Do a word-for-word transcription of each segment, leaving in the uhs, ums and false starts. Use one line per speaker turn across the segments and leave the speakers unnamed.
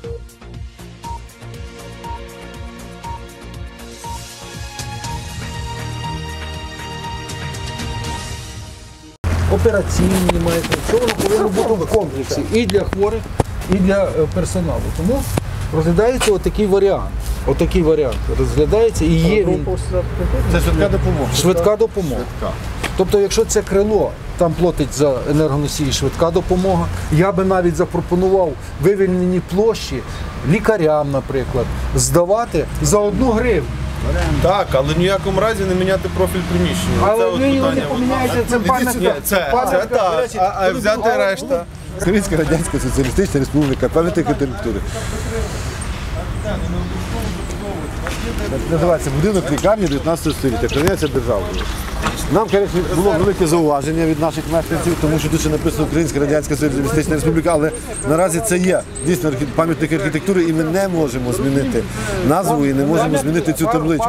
Операційні мають, все воно повинно бути в комплексі і для хворих, і для персоналу. Тому розглядається отакий варіант. Отакий варіант розглядається і є він.
Це швидка допомога.
Швидка допомога. Тобто, якщо це крило, там платить за енергоносії швидка допомога, я би навіть запропонував вивільнені площі лікарям, наприклад, здавати за одну гривню.
Так, але в ніякому разі не міняти профіль приміщення.
Але ви його не поміняєте, це пам'ятка.
Це, це так, а, а взяти решта.
Українська Радянська Соціалістична Республіка, пам'ятник архітектури. Називається будинок лікарні дев'ятнадцятого століття, охороняється державою. Нам, звісно, було велике зауваження від наших мешканців, тому що тут ще написано Українська Радянська Соціалістична Республіка, але наразі це є дійсно пам'ятник архітектури і ми не можемо змінити назву і не можемо змінити цю табличку.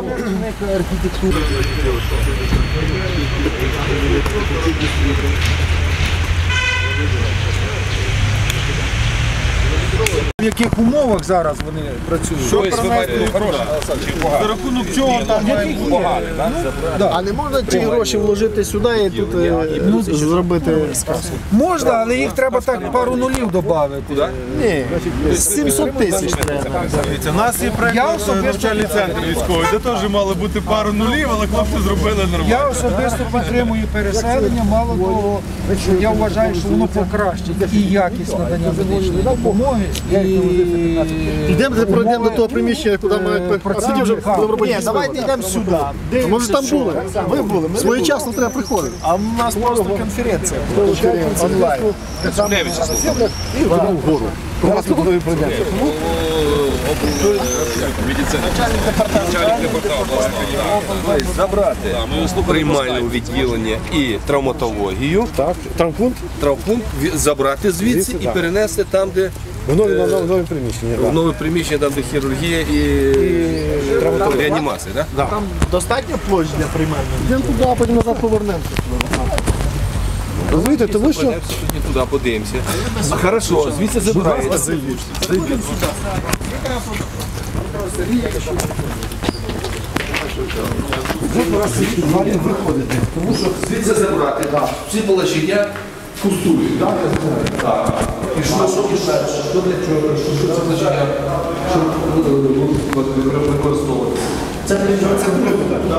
В яких умовах зараз вони працюють?
Що принести за рахунок чого там має бути погано?
А не можна ці гроші вложити сюди і тут ну, зробити сказку?
Можна, але їх треба так пару нулів додати.
Ні, сімсот тисяч треба.
У нас є проєкт навчальний центр військовий, де теж мало бути пару нулів, але хлопці зробили нормально.
Я особисто підтримую переселення, мало того, я вважаю, що воно покращить і якість надання медичної допомоги, і
Йдемо, пройдемо до того приміщення, куди мають працювати вже робити. Ні, давайте йдемо сюди. Може там були? Ви були. Своєчасно треба приходити.
А в нас просто конференція.
Онлайн.
І вгору. У нас тут нові пройдемо.
Забрати приймальне відділення і травматологію,
Травмпункт
травмпункт забрати звідси і перенести там, де
в нові приміщення.
в нове приміщення, там де хірургія і реанімація.
Там достатньо площ для приймального? Йдемо туди, а потім назад повернемося.
Розумієте, тому що...
Тоді туди подивимося. Хорошо, звідси забирається.
Виходити, тому що
Звідси забрати, всі положення пустують. Так. І що, що, що для чого, що це означає, щоб використовувати?
Це друге питання.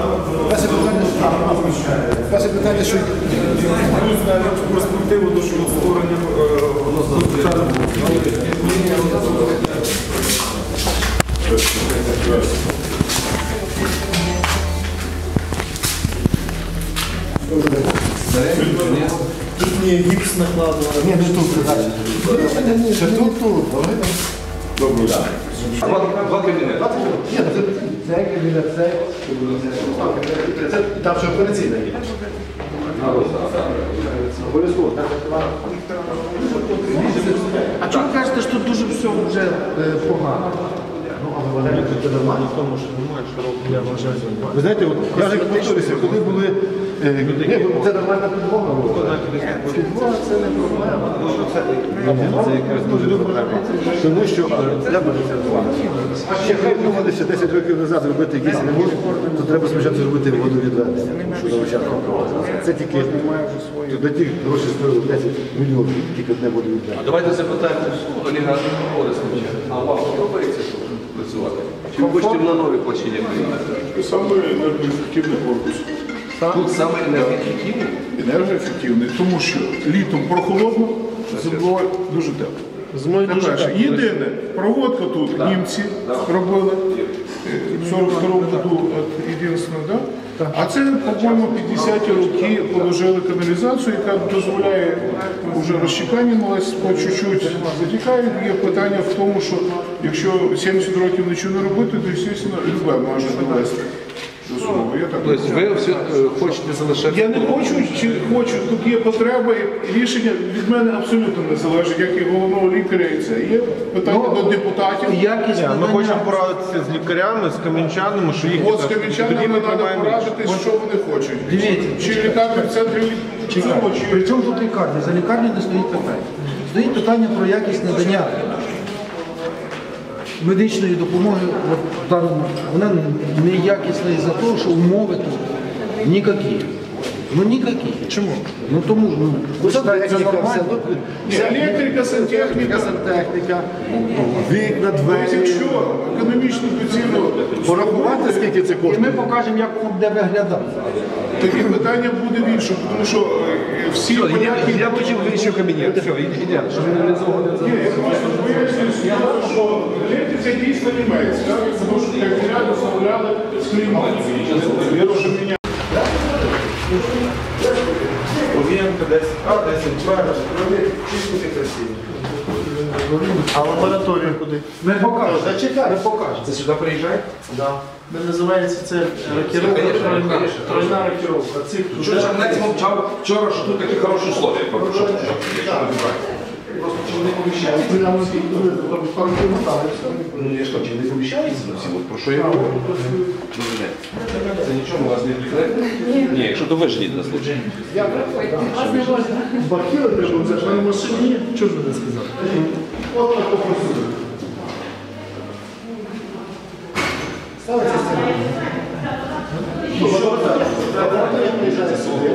Перше питання, що
Навіть перспективу до створення
Тут мені гіпс накладено.
ні, не тут. Ще тут, тут.
доброго дня.
Два кабінети.
Ні, це кабінет, це там ще операційна є. Обов'язково.
А чому ви кажете, що тут дуже все вже погано?
Це нормально.
Я вважаю.
Ви знаєте, от, я вже повторюся, коли були... Е, ні, це нормальна підмога була. Підмога – це не проблема. Це якраз дуже проблема. Тому що, е, я бачу, ще хай думалися десять років назад робити якісь ремонт, то треба спочатку зробити водовідведення, що на початку проводиться. Це тільки, до тих гроші стоїло десять мільйонів, тільки одне водовідведення.
Давайте запитаємо Олега Орестовича. А вам подобається тут працювати? Чи ви хочете на нові площині прийняти?
Саме енергоефективний корпус.
Тут саме енергоефективний?
Енергоефективний, тому що літом прохолодно, зимою дуже тепло. По-перше, єдине, проводка тут німці робили в сорок другому году, єдине, да? А це, по-моєму, п'ятдесяті роки положили каналізацію, яка дозволяє вже розчекання малець по чуть-чуть затікають. Є питання в тому, що якщо сімдесят років нічого не робити, то, звісно, любе може довести.
Тобто ви все хочете залишати?
Я не хочу, чи хочу, тут є потреба, і рішення від мене абсолютно не залежить, як і головного лікаря, і це. Є питання
Ну,
до депутатів.
якість
Ми
надання.
хочемо порадитися з лікарями, з кам'янчанами, що їх...
От з кам'янчанами треба порадитись, що вони хочуть.
Дивіться.
Чи літати в центрі лікарні, чи...
При чому тут лікарня? За лікарню не стоїть питання. Стоїть питання про якість надання медичної допомоги от, там, вона неякісна із-за того, що умови тут ніякі. Ну ніякі. Чому? Ну тому ну,
Ну,
це
сантехніка, все.
нормально.
Ну,
Ні, електрика, сантехніка.
сантехніка, вікна, двері.
Якщо економічну доцільну
Порахувати, скільки це
І
коштує?
ми покажемо, як воно буде виглядати.
тоді питання буде в іншому, тому що е, всі поняття...
Я почув інший кабінет. Все, ідеально. Щоб не реалізовувати.
Ні, я просто пояснюю, що електриця дійсно німець, так? Тому що як ряду замовляли з Криму. Я вже міняв.
Овієнка десять А, десять Б, чисто красиво.
А лабораторія куди?
Ми покажемо. Зачекай, ми покажемо.
Це сюди приїжджає?
Да. Ми називається це рокіровка,
Конечно,
тройна,
конечно.
тройна рокіровка. Цих
Що ж Чернець мовчав вчора, що тут такі хороші условия. Просто чи вони поміщаються? Ну я ж чи не поміщаються на всі? От про що я говорю? Це нічого у вас не відкрите? Ні, якщо то ви ж на случай.
Бахіли треба взяти, а на машині є. Чого ж ви не сказали? От так попросили. Ставиться стіна. Ну, лабораторія. Лабораторія приїжджає сюди.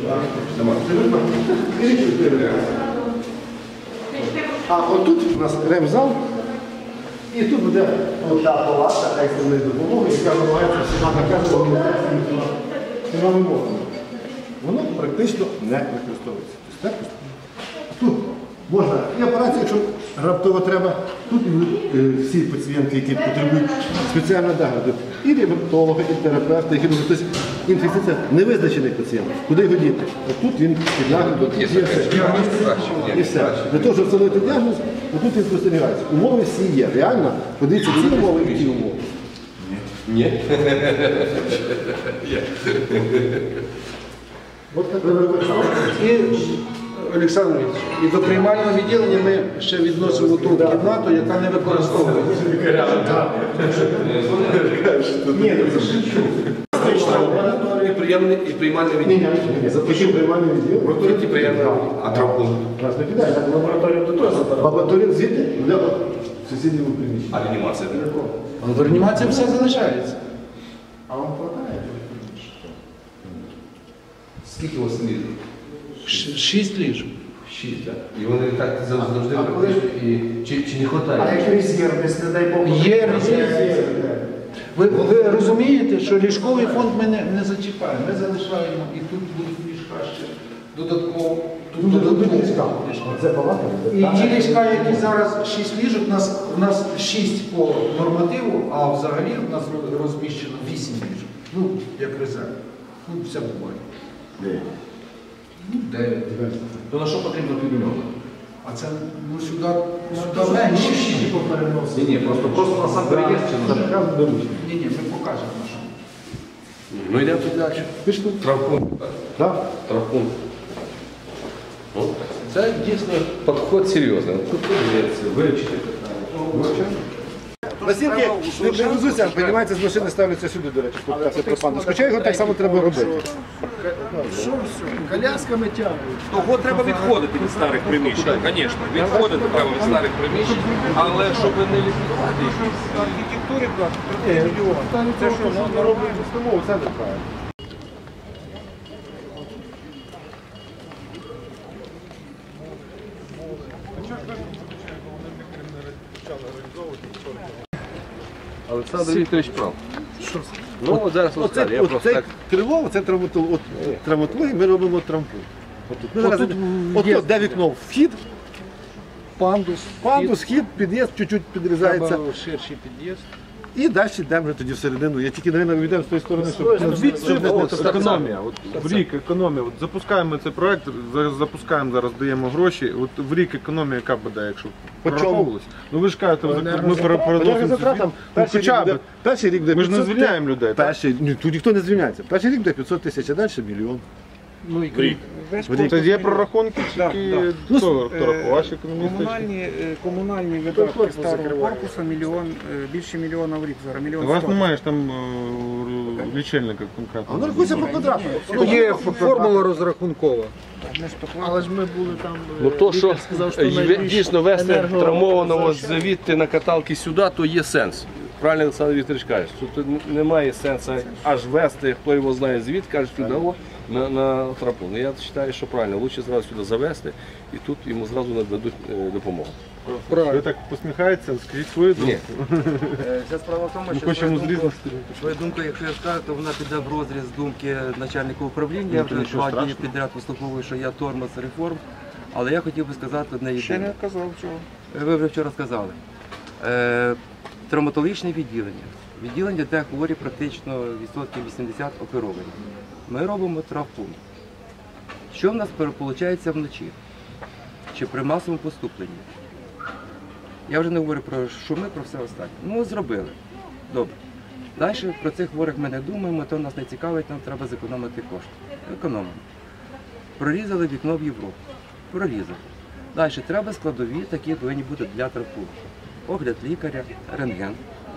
А отут у нас ремзал, і тут буде ота палата екстреної допомоги, яка намагається всіма наказувати всіма вимогами. Воно практично не використовується. Тобто, так? Тут можна і операція, якщо раптово треба, тут е, всі пацієнти, які потребують спеціального догляду, і ревматолога, і терапевта, і хірурга. Тобто інфекція невизначений пацієнт. Куди його діти? От тут він під наглядом, є все. І все. Для того, щоб встановити діагноз, тут він спостерігається. Умови всі є. Реально, подивіться ці умови і ті умови.
Ні.
От так ви вибачали.
І, Олександр Ильич, і до приймального відділення ми ще відносимо ту кімнату, яка не використовується.
І приємне, і приймальне
Ні,
відділення.
ні, ні, запишіть приймальне відділення.
Тут і приємне, а травмпункт.
Нас не кидає, так лабораторію до того. Лабораторію звідти для сусіднього приміщення.
А реанімація?
А в реанімації все залишається.
А вам хватає?
Скільки у вас ліжок?
Ш- Шість ліжок.
Шість, так. І вони так завжди практично, і чи, чи не
А
вистачає?
як резерв, якщо, не дай Бог,
Є резерв. Ви, ви розумієте, що ліжковий фонд ми не, не зачіпаємо. Ми залишаємо і тут будуть ліжка ще додатково. Тут додатково.
Це палата?
І ті ліжка, які зараз шість ліжок, у нас, у нас шість по нормативу, а взагалі у нас розміщено вісім ліжок. Ну, як резерв. Ну, все буває. Ну, дев'ять.
То на що потрібно півмільйона?
А це, ну, сюди, сюди менше.
Ні, ні, просто, просто на сам переїзд чи на що?
Ні, ні, ми покажемо на що.
Ну йдемо тут далі.
Пішли.
Травмпункт. так.
Так.
Травмпункт. Ну, це дійсно підход серйозний. Тут подивитися, вивчити питання.
Настільки не привезуться, піднімаються з машини, ставляться сюди, до речі, тут це пропану. Хоча його так само треба робити.
колясками тягнуть.
Того треба відходити від старих приміщень, звісно. Відходити треба від старих приміщень, але щоб не ліквідувати їх.
Архітектури, так, це що, ми робимо установу, це неправильно.
Олександр Вікторович прав. Ну, от зараз
Оце,
розкажу. Я просто
оце
так.
криво, це травматологія. От, травматологія, ми робимо травмпу. Отут. Ми зараз, от, от, де вікно вхід,
Пандус,
пандус, вхід, під'їзд, чуть-чуть підрізається.
треба ширший під'їзд.
І далі йдемо вже тоді всередину. Я тільки, мабуть, вийдемо з тої сторони, щоб щоб не
Ось
так.
економія. От в рік економія. От запускаємо цей проект, зараз запускаємо, зараз даємо гроші. От в рік економія яка буде, якщо
По чому?
прораховувалось? Ну ви ж кажете, ми пере- переносимо.
Енергозатратам
Ну,
перший
хоча
рік буде-
б.
перший рік буде
Ми ж не
п'ятсот
звільняємо людей, так?
Перший, ні, тут ніхто не звільняється. Перший рік буде п'ятсот тисяч, а далі мільйон.
Ну, і
В рік.
весь
Це
корпус
є
ми-
прорахунки,
Да,
чи
да.
хто хто
Е,
рахував? Ваші економісти?
Комунальні, е, комунальні видатки старого корпусу мільйон, е, більше мільйона в рік зараз, мільйон
У вас
сто.
немає ж там е, лічильника конкретно.
Воно рахується по квадрату.
Є формула розрахункова.
Ми ж поклали.
Але ж ми були там.
Ну то, що
сказав, що
е,
найбільш
дійсно вести
енерго-
травмованого звідти на каталки сюди, то є сенс. Правильно Олександр Вікторович каже, що тут немає сенсу аж вести, хто його знає звідки, каже сюди о, на, на трапу. Ну, я вважаю, що правильно, краще зразу сюди завести і тут йому зразу нададуть е, допомогу.
Ви так посміхаєтеся, скажіть свою думку.
Вся справа в тому,
Ми
що
хочемо
свою
з різних
думку,
сторін.
свою думку, якщо я скажу, то вона піде в розріз думки начальника управління. Я вже два дні підряд вислуховую, що я тормоз реформ. Але я хотів би сказати одне
Ще
єдине.
не казав цього.
Ви вже вчора сказали. Е, травматологічне відділення. Відділення, де хворі практично відсотків вісімдесят оперовані. Ми робимо травпункт. Що в нас виходить вночі? Чи при масовому поступленні? Я вже не говорю про шуми, про все останнє. Ну, зробили. Добре. Далі про цих хворих ми не думаємо, то нас не цікавить, нам треба зекономити кошти. Економимо. Прорізали вікно в Європу. Прорізали. Далі треба складові, такі повинні бути для травпункту. Огляд лікаря, рентген,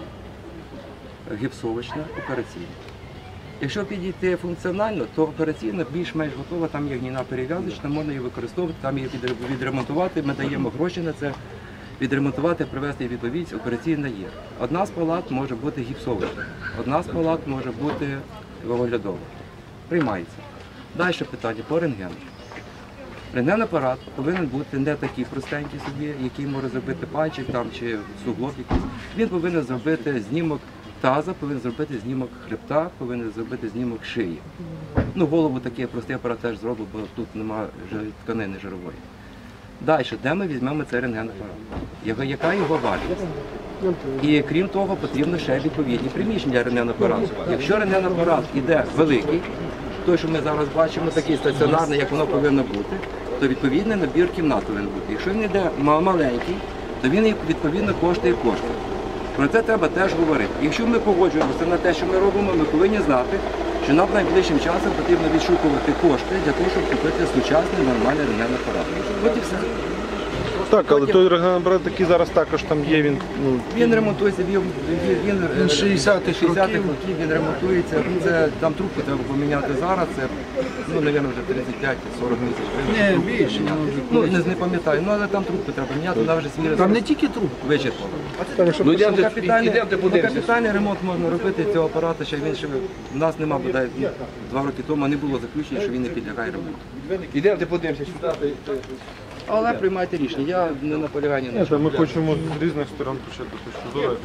гіпсовочна, операційна. Якщо підійти функціонально, то операційна більш-менш готова, там є гніна перев'язочна, можна її використовувати, там її відремонтувати, ми даємо гроші на це, відремонтувати, привести відповідь, операційна є. Одна з палат може бути гіпсовочна, одна з палат може бути оглядова. Приймається. Далі питання по рентгену. Рентген-апарат повинен бути не такий простенький собі, який може зробити пальчик там, чи суглоб якийсь. Він повинен зробити знімок таза, повинен зробити знімок хребта, повинен зробити знімок шиї. Ну, голову такий простий апарат теж зробив, бо тут немає тканини жирової. Далі, де ми візьмемо цей рентген-апарат? Яка- Яка його вартість? І крім того, потрібно ще відповідні приміщення для рентген-апарату. Якщо рентген-апарат іде великий, той, що ми зараз бачимо, такий стаціонарний, як воно повинно бути, то відповідний набір кімнат повинен бути. Якщо він йде ма- маленький, то він відповідно коштує кошти. Про це треба теж говорити. Якщо ми погоджуємося на те, що ми робимо, ми повинні знати, що нам найближчим часом потрібно відшукувати кошти для того, щоб купити сучасний нормальний рентген-апарат. От і все.
Так, але той рентген-апарат такий зараз також там є, він ну,
Він ремонтується, він, він, він,
Він шістдесятих
шістдесятих
років.
років, він ремонтується. Це, там трубку треба поміняти зараз, це, ну, мабуть, вже тридцять п'ять сорок тисяч гривень.
Ні, більше.
Ну, не, не пам'ятаю, ну, але там трубку треба міняти, вона вже свій
Там
ресурс
не тільки труп.
вичерпала.
Ну йдемо,
Капітальний,
йдемо,
ну,
подивимося.
капітальний ремонт можна робити цього апарату, ще він ще в нас нема, бодай, ну, два роки тому не було заключення, що він не підлягає ремонту.
Йдемо, подивимося сюди.
Але приймайте рішення, я не наполягаю ні на
Ні,
чому.
та ми хочемо з різних сторон почати точку зору.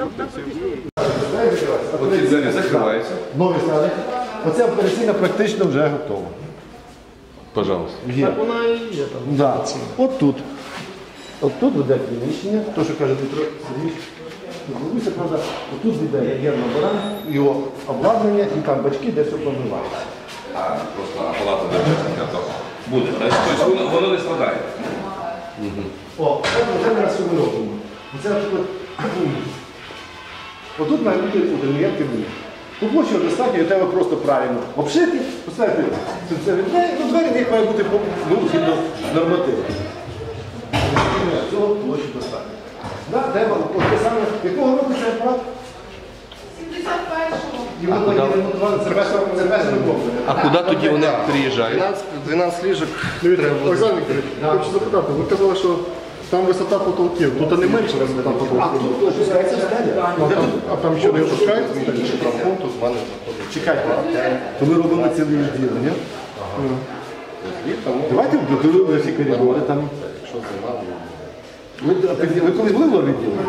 Оці двері закриваються.
Нові стали. Оця операційна практично вже готова.
Пожалуйста.
Є. Так вона і є там. Да. От тут. От тут буде приміщення, то, що каже Дмитро Сергійович. Бабуся, правда, отут буде гермобаран, його обладнання і там бачки, де все промивається.
А, просто палата державна буде. Тобто воно, воно не складає.
О, це ми раз що ми робимо. Оце от, отут має бути ніякий вмір. По площі достатньо, і треба просто правильно обшити, поставити це двері, ну двері в них має бути ну, згідно нормативу. Цього площі достатньо. Да, треба, от те саме, якого року це апарат?
сімдесят першого.
Його тоді ремонтували сервесовим комплексом.
А куди тоді вони приїжджають?
дванадцять ліжок.
Дивіться, Олександр Вікторович, хочу запитати, ви казали, що там висота потолків, тут не менше висота
А
потолків.
тут опускається стеля.
А там, а там що не опускається?
Чекайте, то ми робимо ціле відділення. Давайте вбудуємо всі коридори там. Ви, ви колись були в лор-відділі?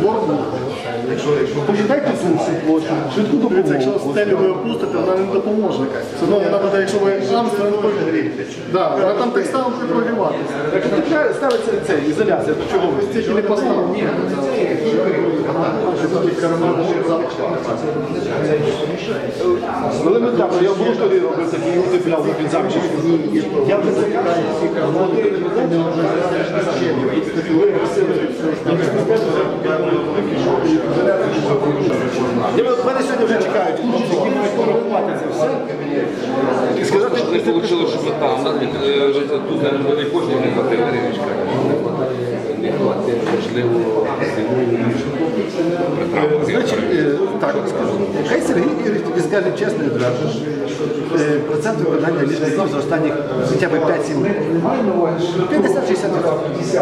Почитайте тут всю площу, швидку
Дивіться, якщо
допомогу.
стелю ви опустите, вона не допоможе. Все одно вона буде, якщо ви там ставите, да, вона там так само буде прогріватися.
Так ставиться це, ізоляція, то чого ви?
Стільки не поставили. Ні,
Елементарно, я в Брустові робив такий утепляв під замчик. Я вже закидаю всі кармани. Мене сьогодні вже чекають, які мають порахувати це все. І сказати,
Не вийшло, щоб ми там тут не буде коштів, не хватило ліжка. Не хватило, можливо,
Значить, е, так скажу. Хай Сергій Ігорович тобі скаже чесно і одразу. Е, Процент виконання ліжників за останні хоча б п'ять-сім років. п'ятдесят-шістдесят відсотків.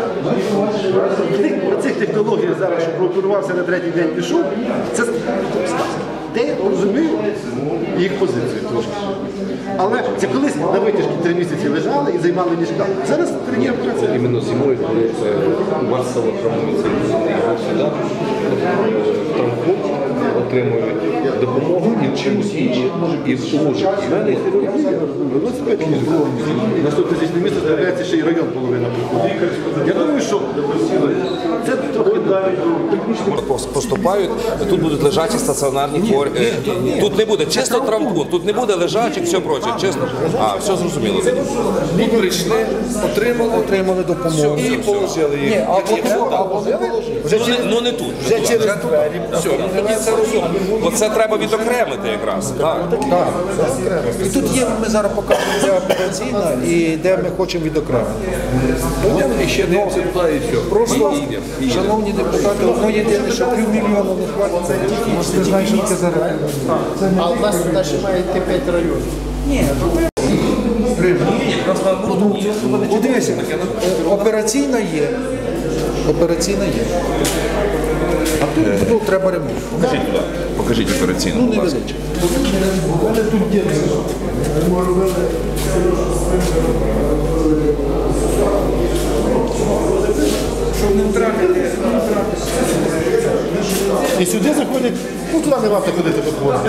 Про цих технологіях зараз, що прооперувався на третій день пішов, це сказка. Де я розумію їх позицію трошки. Але це колись на витяжці три місяці лежали і займали ліжка. Зараз тренер працює.
Іменно зимою, коли це масово травмується сюди, травмпункт отримують допомогу і чимось іншим, і служать.
На сто тисячне місце з'являється ще й район половина приходить. Я думаю, що це трохи
Поступають, тут будуть лежачі стаціонарні хворі. Тут не буде чисто травмпункт, тут не буде лежачих, все проче, чисто. А, все зрозуміло. Тут прийшли, отримали,
отримали допомогу.
і положили їх.
Ні, або
Ну не, ну не тут. Вже через двері. Все, ну тоді це розумно. Бо це треба відокремити якраз. Так.
Так. І тут є, ми зараз покажемо, де операційна і де ми хочемо відокремити.
І ще дивимося туди і все.
Просто, шановні депутати, одно єдине, що півмільйона не хватить, це тільки, ви знаєте, що таке зараз.
А у нас туди ще має йти п'ять районів.
Ні, ну дивіться, операційна є, операційна є. А тут ну, треба ремонт.
Покажіть туди. Покажіть операційну.
Ну, невеличко.
Щоб не втратити.
і сюди заходять, ну туди не варто ходити виходити.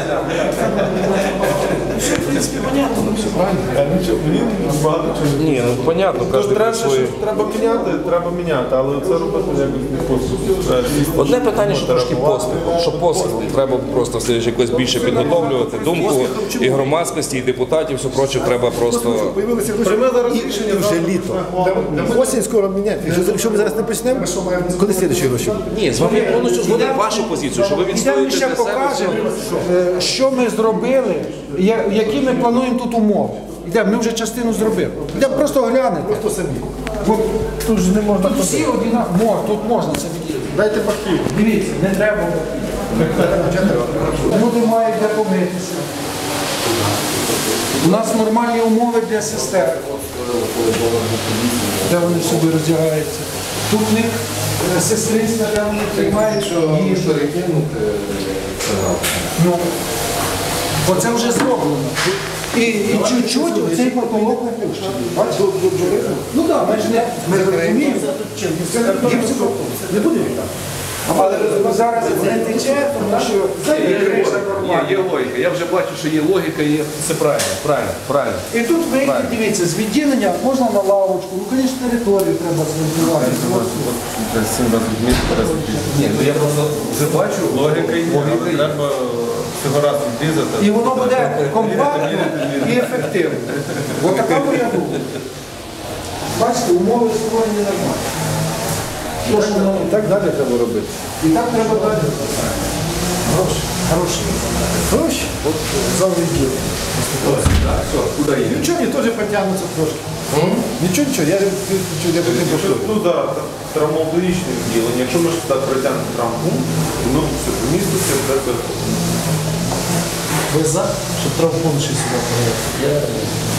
Ні, ну понятно, кожен
Треба,
свої.
треба міняти, треба міняти, але це робити якось не поспіхом.
Одне питання, що трошки поспіхом. Що поспіхом? Треба просто все ж якось більше підготовлювати думку і громадськості, і депутатів, все проче треба просто.
Появилися гроші. І вже літо. Осінь скоро міняти. Якщо, якщо ми зараз не почнемо, коли слідчі гроші?
Ні, з вами я повністю згоден вашу позицію, що ви
Йдемо
відстоюєте
ще
для себе.
покажемо, е, що ми зробили, я- які ми плануємо тут умови. Йдемо, ми вже частину зробили. Йдемо просто глянути.
Просто самі.
От, тут ж не можна. Тут всі однакові. Мож, тут можна це відділити.
Дайте бахи.
Дивіться, не треба. Люди мають де помитися. У нас нормальні умови для сестер, де вони собі роздягаються. Тут в них е, сестринська, де вони приймають їжу. Ну, бо це вже зроблено. І, і чуть-чуть цей потолок опущений. Бачите? Ну так, ми ж не ми розуміємо. Не буде віта. Але зараз не тече, тому що криша нормальна.
Є, є логіка. Я вже бачу, що є логіка, є все правильно, правильно, правильно.
І тут вийти, дивіться, з відділення можна на лавочку, ну, звісно, територію треба зробити.
Ні, ну я просто вже бачу, логіка є.
Треба цього разу відрізати.
І воно буде компактно і ефективно. Ось така моя думка. Бачите, умови створені нормально.
Тож, ну, так далі треба робити.
І так треба далі. Гроші. Гроші.
Гроші? От зал відділ. Нічого, мені теж потягнуться трошки. Нічого, нічого, я чую, я потім
Якщо
пошлю.
тут да, травматологічне відділення, якщо ми ж сюди притягнемо травмпункт, воно все поміститься, все це.
Ви за, щоб травмпункт ще сюди провести?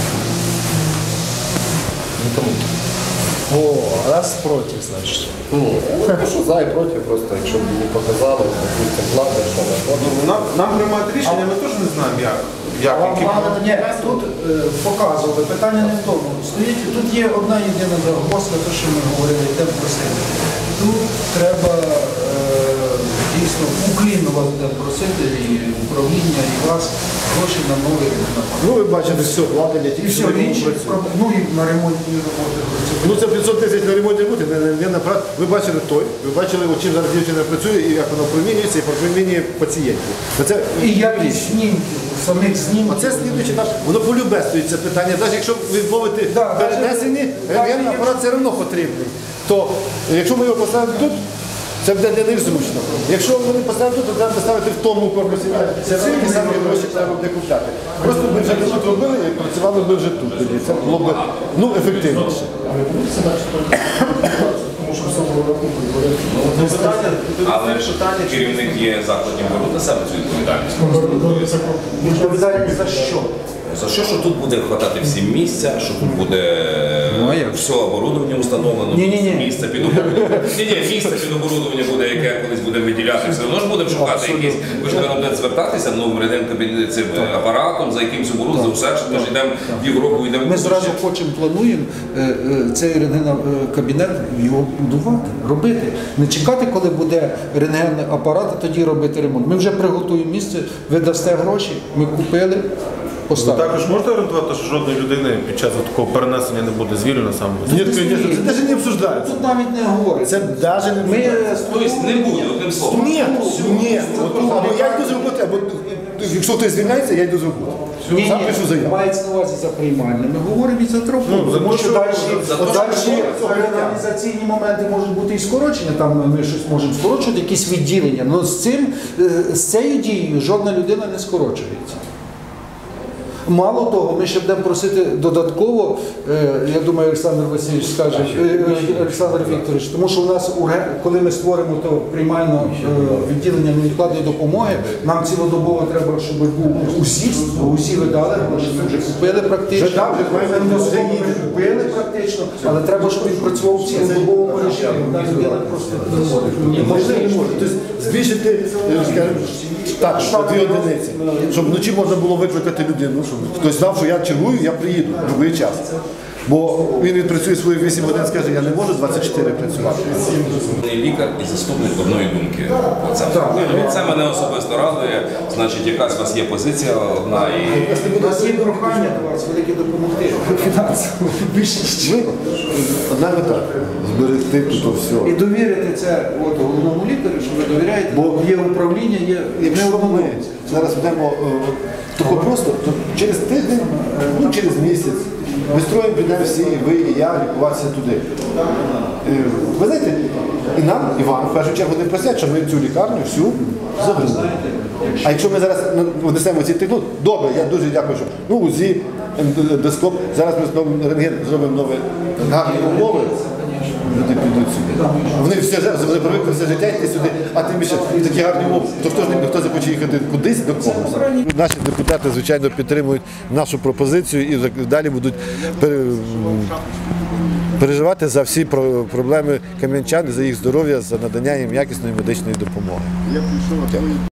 Нікому.
О, раз проти, значить.
Ні, ну що за і проти, просто якщо б мені показали, допустим, плати, що на фото.
Ну, нам, нам приймати рішення, ми теж не знаємо, як. як
А вам
які
плани ні, тут е, показували, питання не в тому. Стоїть, тут є одна єдина загвоздка, те, що ми говорили, йдемо просити. Тут треба е, дійсно уклінно вас будемо просити, і управління, і вас, гроші на новий ремонт.
Ну, ви бачите, все, влади
І все, інші, ну і на ремонтні роботи.
Ну це п'ятсот тисяч на ремонті бути, не, не, не на прат. Ви бачили той, ви бачили, от чим зараз дівчина працює, і як вона промінюється, і промінює пацієнтів. Оце,
І якість знімків, самих знімків.
Оце слідуючи наш, воно полюбе стоїть це питання. Навіть якщо відмовити
Да,
перенесені,
навіть-
рентген апарат все одно потрібний. То якщо ми його поставимо тут, Це буде для них зручно. Якщо вони поставили тут, то треба поставити в тому корпусі. Це всі ті самі гроші треба буде купляти. Просто ми вже не тут робили і працювали би вже тут. Тоді це було б ну, ефективніше.
Але ж керівник є закладів беруть на себе цю відповідальність.
Відповідальність за що?
За що, що тут буде хватати всім місця, що тут буде все оборудовання установлено,
Ні-ні-ні.
місце під оборудовання. Ні, ні, місце під оборудовання буде, яке колись буде виділяти, все одно ж будемо шукати якісь. Ви ж треба буде звертатися ну, цим апаратом, за якимось оборудованням, за усе, ми ж йдемо в Європу, йдемо.
Ми зразу хочемо, плануємо е, е, цей рентген-кабінет його будувати, робити. Не чекати, коли буде рентгенний апарат, а тоді робити ремонт. Ми вже приготуємо місце, ви дасте гроші, ми купили.
Ви також можете орієнтувати, що жодної людини під час такого перенесення не буде звільнено саме?
Ні, це навіть не обсуждається.
Тут навіть не говориться.
Це навіть не обсуждається.
Тобто не буде, одним словом.
Ні, ні. От, або я йду з роботи, або якщо хтось звільняється, я йду з роботи.
Ні,
Сам
ні,
пишу заяву.
мається на увазі за приймальне. Ми говоримо і за трофу.
Ну, за
тому
те,
що
що-
далі,
за те,
далі
що-
організаційні моменти можуть бути і скорочення, там ми щось можемо скорочувати, якісь відділення. Але з цим, е, з цією дією жодна людина не скорочується. Мало того, ми ще будемо просити додатково, е, я думаю, Олександр Васильович скаже, е, е, Олександр Вікторович, тому що у нас, урге- коли ми створимо то приймальне е, відділення невідкладної допомоги, нам цілодобово треба, щоб був УЗІ, УЗІ ви дали, гроші, ми вже купили практично,
Вже дав, вже маємо,
Ендоскоп
вже
ми
їде.
купили практично, але треба, щоб він працював в цілодобовому режимі. Одна людина просто не може.
Можна і не може. Тобто збільшити, е, скажімо, так, на дві одиниці. Щоб вночі можна було викликати людину, щоб хтось знав, що я чергую, я приїду в будь-який час. Бо він відпрацює свої вісім годин, скаже, я не можу двадцять чотири працювати.
Лікар і заступник одної думки. Оце. Це мене особисто радує. Значить, якась у вас є позиція одна і.
У нас є прохання до вас велике допомогти фінансово. Більше
Ми, одна мета зберегти тут все.
і довірити це от, головному лікарю, що ви довіряєте, бо є управління, є
Якщо
не
ми зараз будемо тако просто, то через тиждень, ну через місяць, ми строїмо, підемо всі, і ви, і я, лікуватися туди. Е, Ви знаєте, і нам, і вам, в першу чергу, не просять, що ми цю лікарню всю забрали. А якщо ми зараз ну, внесемо ці технології, добре, я дуже дякую, що ну, УЗІ, ендоскоп, зараз ми зробимо рентген, зробимо нові гарні умови. Люди підуть сюди. Вони все життя, вони привикли все життя йти сюди, а тим більше такі гарні умови. То хто ж не хто захоче їхати кудись до когось. Наші депутати, звичайно, підтримують нашу пропозицію і далі будуть переживати за всі проблеми кам'янчан, за їх здоров'я, за надання їм якісної медичної допомоги.